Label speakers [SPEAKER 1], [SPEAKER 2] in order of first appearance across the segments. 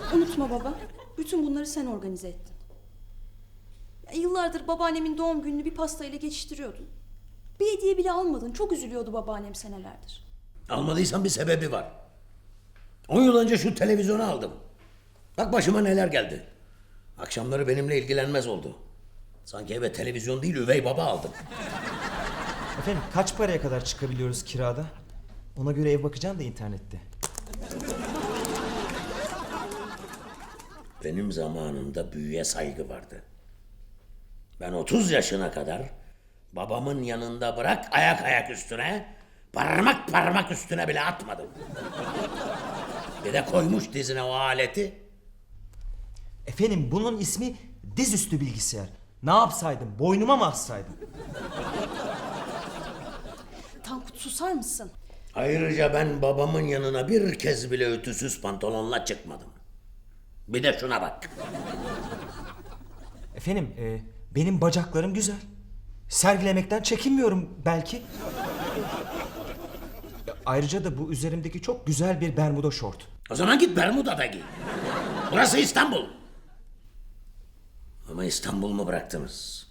[SPEAKER 1] Unutma baba, bütün bunları sen organize ettin. Yıllardır babaannemin doğum gününü bir pastayla geçiştiriyordun. Bir hediye bile almadın. Çok üzülüyordu babaannem senelerdir.
[SPEAKER 2] Almadıysan bir sebebi var. 10 yıl önce şu televizyonu aldım. Bak başıma neler geldi. Akşamları benimle ilgilenmez oldu. Sanki eve televizyon değil üvey baba aldım.
[SPEAKER 3] Efendim kaç paraya kadar çıkabiliyoruz kirada? Ona göre ev bakacağım da internette.
[SPEAKER 2] Benim zamanımda büyüye saygı vardı. Ben 30 yaşına kadar babamın yanında bırak ayak üstüne, parmak parmak üstüne bile atmadım. Bir de koymuş dizine o aleti.
[SPEAKER 3] Efendim bunun ismi dizüstü bilgisayar. Ne yapsaydım? Boynuma mı assaydım?
[SPEAKER 1] Tankut susar mısın?
[SPEAKER 2] Ayrıca ben babamın yanına bir kez bile ütüsüz pantolonla çıkmadım. Bir de şuna bak.
[SPEAKER 3] Efendim benim bacaklarım güzel. Sergilemekten çekinmiyorum belki. Ayrıca da bu üzerimdeki çok güzel bir bermuda şort.
[SPEAKER 2] O zaman git Bermuda'da giy. Burası İstanbul. Ama İstanbul mu bıraktınız?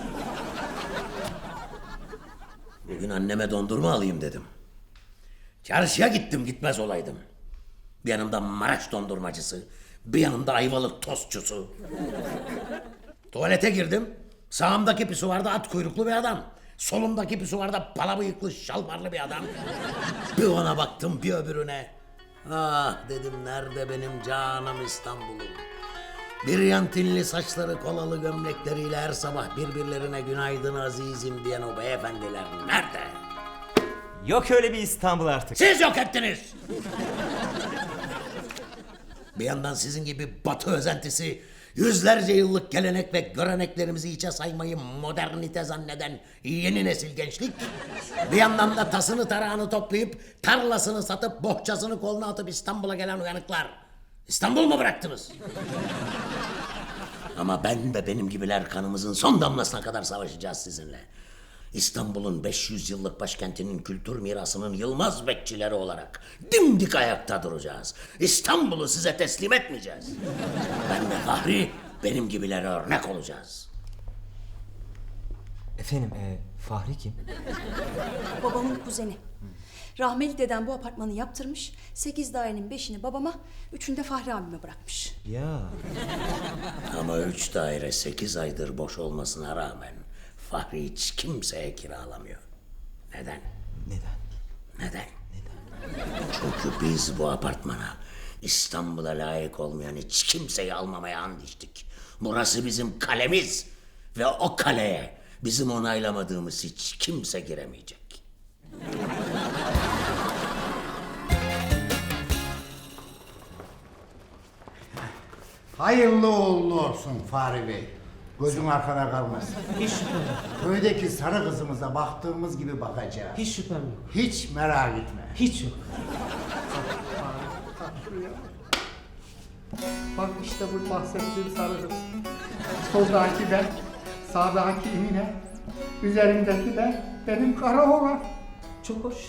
[SPEAKER 2] Bugün anneme dondurma alayım dedim. Çarşıya gittim gitmez olaydım. Bir yanımda Maraş dondurmacısı, bir yanımda Ayvalık tostçusu. Tuvalete girdim. Sağımdaki pisuvarda at kuyruklu bir adam. Solumdaki pisuvarda pala bıyıklı şalvarlı bir adam. Bir ona baktım bir öbürüne. Ah dedim nerede benim canım İstanbul'um. Biryantinli saçları kolalı gömlekleriyle her sabah birbirlerine günaydın azizim diyen o beyefendiler nerede?
[SPEAKER 3] Yok öyle bir İstanbul artık.
[SPEAKER 2] Siz yok ettiniz. Bir yandan sizin gibi Batı özentisi, yüzlerce yıllık gelenek ve göreneklerimizi hiçe saymayı modernite zanneden yeni nesil gençlik, bir yandan da tasını tarağını toplayıp tarlasını satıp bohçasını koluna atıp İstanbul'a gelen uyanıklar. İstanbul mu bıraktınız? Ama ben ve benim gibiler kanımızın son damlasına kadar savaşacağız sizinle. İstanbul'un 500 yıllık başkentinin kültür mirasının yılmaz bekçileri olarak dimdik ayakta duracağız. İstanbul'u size teslim etmeyeceğiz. Ben de Fahri, benim gibilere örnek olacağız.
[SPEAKER 3] Efendim Fahri kim?
[SPEAKER 1] Babamın kuzeni. Rahmeli dedem bu apartmanı yaptırmış. 8 dairenin 5'ini babama, 3'ünü de Fahri abime bırakmış.
[SPEAKER 3] Ya
[SPEAKER 2] Ama 3 daire 8 aydır boş olmasına rağmen Fahri hiç kimseye kiralamıyor. Neden? Neden? Çünkü biz bu apartmana İstanbul'a layık olmayan hiç kimseyi almamaya and içtik. Burası bizim kalemiz ve o kaleye bizim onaylamadığımız hiç kimse giremeyecek.
[SPEAKER 4] Hayırlı uğurlu olsun Fahri Bey. Gözün arkada kalmasın.
[SPEAKER 5] Hiç şüphem yok.
[SPEAKER 4] Köydeki sarı kızımıza baktığımız gibi bakacağız.
[SPEAKER 5] Hiç şüphem yok.
[SPEAKER 4] Hiç merak etme.
[SPEAKER 5] Hiç yok.
[SPEAKER 6] Bak işte bu bahsettiğim sarı kız. Soldaki ben, sağdaki Emine, üzerimdeki de benim kara oğlan.
[SPEAKER 5] Çok hoş.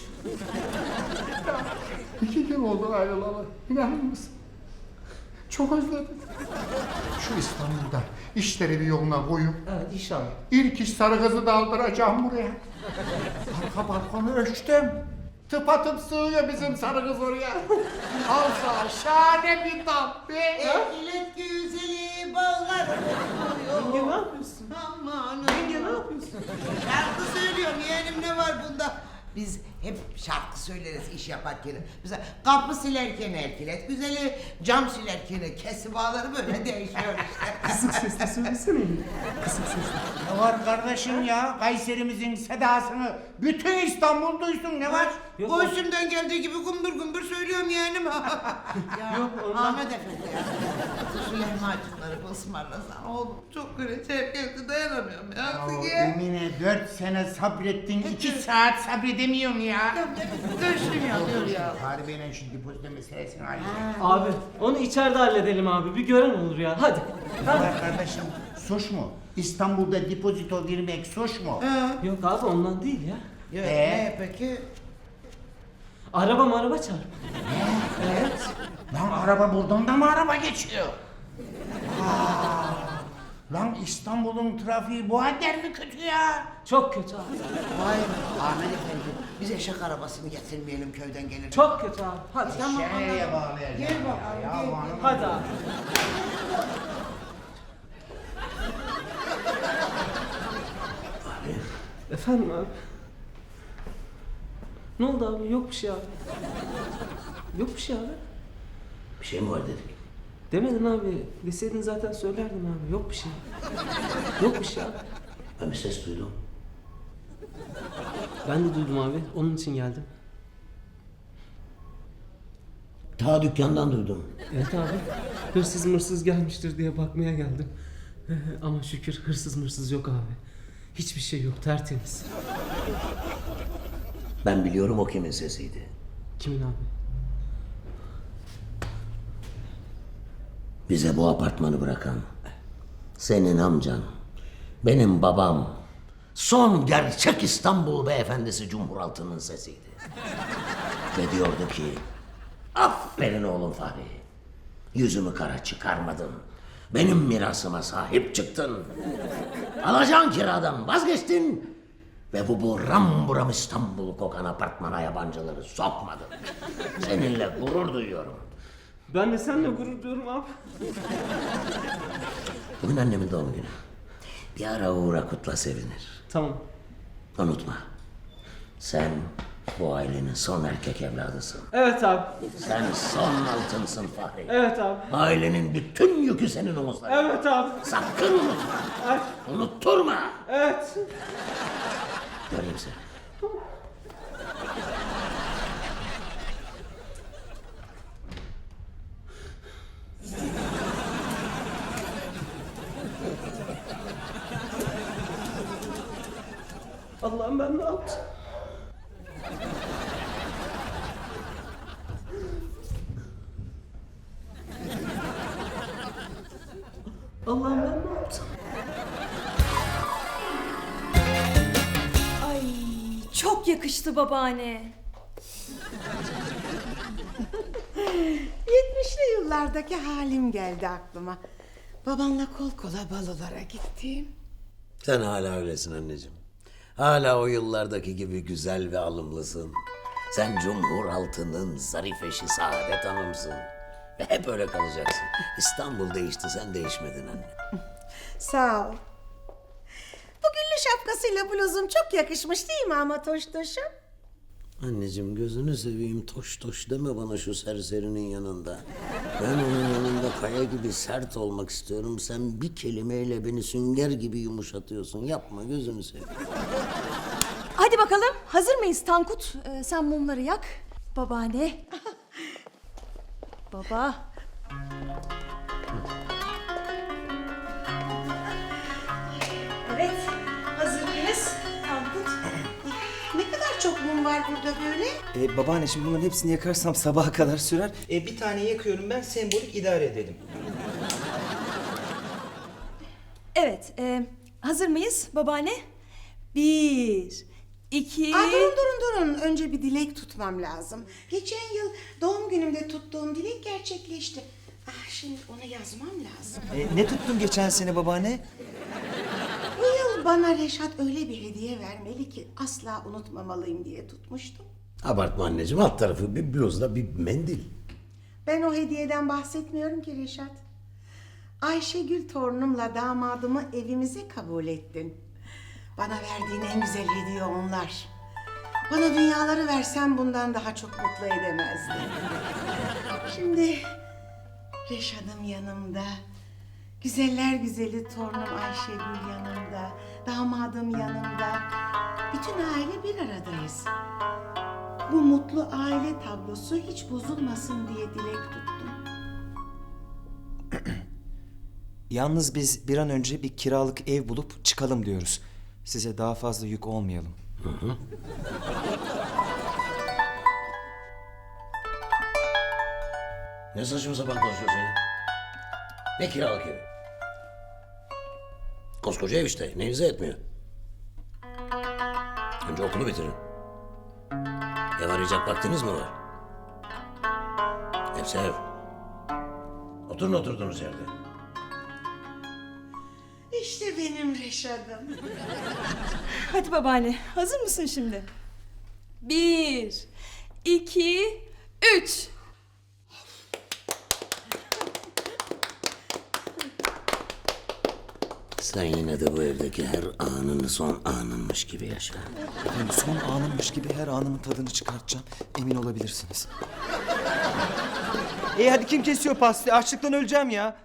[SPEAKER 6] 2 gün oldu ayrılalı. İnanır mısın? Çok özledim. Şu İstanbul'da işleri bir yoluna koyup
[SPEAKER 5] Evet inşallah.
[SPEAKER 6] ilk iş sarı kızı da aldıracağım buraya. Arka balkonu ölçtüm. Tıpatıp sığıyor bizim sarı kız oraya. Alsa şahane bir dam be.
[SPEAKER 7] Ekilet güzeli bağlar.
[SPEAKER 5] Yenge ne yapıyorsun?
[SPEAKER 7] Aman
[SPEAKER 5] Yenge ne yapıyorsun?
[SPEAKER 7] şarkı söylüyorum yeğenim ne var bunda? Biz hep şarkı söyleriz iş yaparken. Mesela kapı silerken erkilet güzeli, cam silerken kesi bağları böyle değişiyor işte.
[SPEAKER 5] Kısık sesle söylesene. Kısık sesle.
[SPEAKER 4] Ne var kardeşim ya? Kayserimizin sedasını bütün İstanbul duysun ne var?
[SPEAKER 5] Yok,
[SPEAKER 7] Göğsümden geldiği gibi gümbür gümbür söylüyorum yeğenim. Ya,
[SPEAKER 5] Yok, ondan-
[SPEAKER 7] Ahmet Efendi ya. Şu lahmacunları bir ısmarlasan oğlum çok güreşe geldi dayanamıyorum ya.
[SPEAKER 4] Ya Emine 4 sene sabrettin, 2 saat sabredemiyorum ya.
[SPEAKER 7] Görüşmüyor diyor ya.
[SPEAKER 4] Fahri Bey'le şu depozito meselesini halledin.
[SPEAKER 5] Abi onu içeride halledelim abi. Bir gören olur ya. Hadi.
[SPEAKER 4] Ne var kardeşim? Suç mu? İstanbul'da depozito vermek suç mu?
[SPEAKER 5] Yok abi ondan değil ya.
[SPEAKER 7] Ne peki?
[SPEAKER 5] Araba çarp.
[SPEAKER 4] Lan araba buradan da mı araba geçiyor? Aa, lan İstanbul'un trafiği bu kadar mı kötü ya?
[SPEAKER 5] Çok kötü abi.
[SPEAKER 7] Vay Ahmet Efendi, biz eşek arabasını getirmeyelim köyden gelir.
[SPEAKER 5] Çok kötü abi. Hadi.
[SPEAKER 4] Şeye bağlayacağım.
[SPEAKER 7] Gel bakalım,
[SPEAKER 4] Ya,
[SPEAKER 7] gel.
[SPEAKER 4] hanım.
[SPEAKER 5] Hadi abi. Efendim abi. Ne oldu abi? Yok bir şey abi. Yok bir şey abi.
[SPEAKER 2] Bir şey mi var dedik?
[SPEAKER 5] Demedin abi. Deseydin zaten söylerdim abi. Yok bir şey. Yok bir şey abi.
[SPEAKER 2] Ben bir ses duydum.
[SPEAKER 5] Ben de duydum abi. Onun için geldim.
[SPEAKER 2] Ta dükkandan duydum.
[SPEAKER 5] Evet abi. Hırsız mırsız gelmiştir diye bakmaya geldim. Ama şükür hırsız mırsız yok abi. Hiçbir şey yok. Tertemiz.
[SPEAKER 2] Ben biliyorum o kimin sesiydi.
[SPEAKER 5] Kimin abi?
[SPEAKER 2] Bize bu apartmanı bırakan, senin amcan, benim babam, son gerçek İstanbul beyefendisi Cumhuraltı'nın sesiydi. Ve diyordu ki, aferin oğlum Fahri, yüzümü kara çıkarmadın, benim mirasıma sahip çıktın, alacağın kiradan vazgeçtin ve bu buram buram İstanbul kokan apartmana yabancıları sokmadın. Seninle gurur duyuyorum.
[SPEAKER 5] Ben de seninle gurur duyuyorum abi.
[SPEAKER 2] Bugün annemin doğum günü. Bir ara uğra kutla sevinir.
[SPEAKER 5] Tamam.
[SPEAKER 2] Unutma. Sen bu ailenin son erkek evladısın.
[SPEAKER 5] Evet abi.
[SPEAKER 2] Sen son altınsın Fahri.
[SPEAKER 5] Evet abi.
[SPEAKER 2] Ailenin bütün yükü senin omuzlarında.
[SPEAKER 5] Evet abi.
[SPEAKER 2] Sakın unutma.
[SPEAKER 5] Ay,
[SPEAKER 2] Unutturma.
[SPEAKER 5] evet.
[SPEAKER 2] Göreyim seni.
[SPEAKER 5] Allah'ım ben ne yaptım? Allah'ım ben ne yaptım?
[SPEAKER 1] Ay çok yakıştı babaanne.
[SPEAKER 7] 70'li yıllardaki halim geldi aklıma. Babanla kol kola balolara gittim.
[SPEAKER 2] Sen hala öylesin anneciğim. Hala o yıllardaki gibi güzel ve alımlısın. Sen Cumhuraltı'nın zarif eşi Saadet Hanım'sın. Ve hep öyle kalacaksın. İstanbul değişti, sen değişmedin anne.
[SPEAKER 7] Sağ ol. Bu güllü şapkasıyla bluzum çok yakışmış değil mi ama Toştoş'um?
[SPEAKER 2] Anneciğim gözünü seveyim, toş toş deme bana şu serserinin yanında. Ben onun yanında kaya gibi sert olmak istiyorum. Sen bir kelimeyle beni sünger gibi yumuşatıyorsun. Yapma, gözünü seveyim.
[SPEAKER 1] Hadi bakalım hazır mıyız Tankut? Sen mumları yak. Babaanne. Baba. Evet. Hazır mıyız Tankut?
[SPEAKER 7] Ne kadar çok mum var burada böyle?
[SPEAKER 3] Babaanne şimdi bunların hepsini yakarsam sabaha kadar sürer. Bir tane yakıyorum ben, sembolik idare edelim.
[SPEAKER 1] Evet. Hazır mıyız babaanne? 1, 2...
[SPEAKER 7] Aa, durun. Önce bir dilek tutmam lazım. Geçen yıl doğum günümde tuttuğum dilek gerçekleşti. Ah, şimdi onu yazmam lazım.
[SPEAKER 3] Ne tuttun geçen sene babaanne?
[SPEAKER 7] Bu yıl bana Reşat öyle bir hediye vermeli ki asla unutmamalıyım diye tutmuştum.
[SPEAKER 2] Abartma anneciğim, alt tarafı bir bluzla bir mendil.
[SPEAKER 7] Ben o hediyeden bahsetmiyorum ki Reşat. Ayşegül torunumla damadımı evimize kabul ettin. Bana verdiğin en güzel hediye onlar. Bana dünyaları versen bundan daha çok mutlu edemezdin. Şimdi Reşat'ım yanımda. Güzeller güzeli torunum Ayşegül yanımda. Damadım yanımda. Bütün aile bir aradayız. Bu mutlu aile tablosu hiç bozulmasın diye dilek tuttum.
[SPEAKER 3] Yalnız biz bir an önce bir kiralık ev bulup çıkalım diyoruz. Size daha fazla yük olmayalım.
[SPEAKER 2] Ne saçma sapan konuşuyorsun ya? Ne kiralık evi? Koskoca ev işte, neyinize etmiyor? Önce okulu bitirin. Ev arayacak vaktiniz mi var? Sev. Oturun oturduğunuz yerde.
[SPEAKER 7] İşte benim Reşat'ım.
[SPEAKER 1] Hadi babaanne, hazır mısın şimdi? 1, 2, 3.
[SPEAKER 2] Sen yine de bu evdeki her anını son anınmış gibi yaşa.
[SPEAKER 3] Efendim son anımmış gibi her anımın tadını çıkartacağım. Emin olabilirsiniz. Hadi kim kesiyor pastayı? Açlıktan öleceğim ya.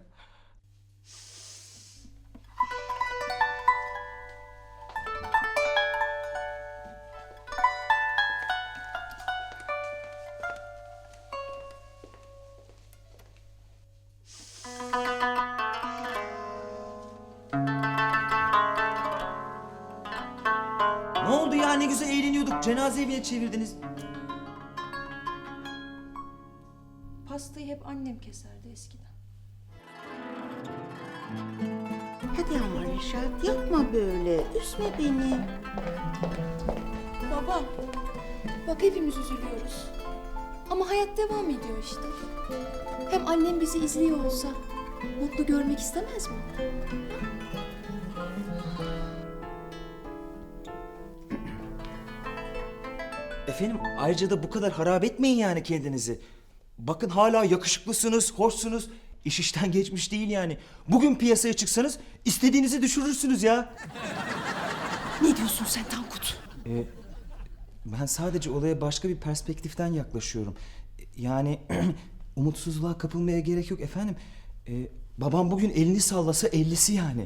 [SPEAKER 3] Ne oldu ya? Ne güzel eğleniyorduk. Cenaze evine çevirdiniz.
[SPEAKER 1] Pastayı hep annem keserdi eskiden.
[SPEAKER 8] Hadi ama Reşat yapma böyle. Üzme beni.
[SPEAKER 1] Baba, bak hepimiz üzülüyoruz. Ama hayat devam ediyor işte. Hem annem bizi izliyor olsa mutlu görmek istemez mi?
[SPEAKER 3] Efendim ayrıca da bu kadar harap etmeyin yani kendinizi. Bakın hala yakışıklısınız, hoşsunuz. İş işten geçmiş değil yani. Bugün piyasaya çıksanız istediğinizi düşürürsünüz ya.
[SPEAKER 1] Ne diyorsun sen Tankut?
[SPEAKER 3] Ben sadece olaya başka bir perspektiften yaklaşıyorum. Yani umutsuzluğa kapılmaya gerek yok efendim. Babam bugün elini sallasa 50'si yani.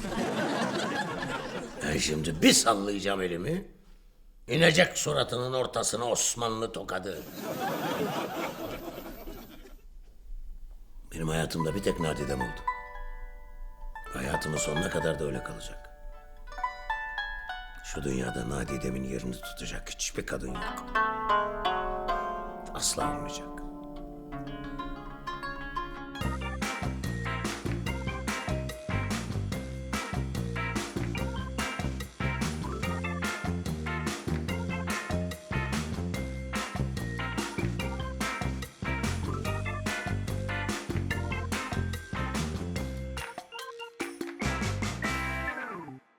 [SPEAKER 2] Ben şimdi bir sallayacağım elimi. İnecek suratının ortasına Osmanlı tokadı. Benim hayatımda bir tek nadidem oldu. Hayatımın sonuna kadar da öyle kalacak. Şu dünyada nadidemin yerini tutacak hiçbir kadın yok. Asla olmayacak.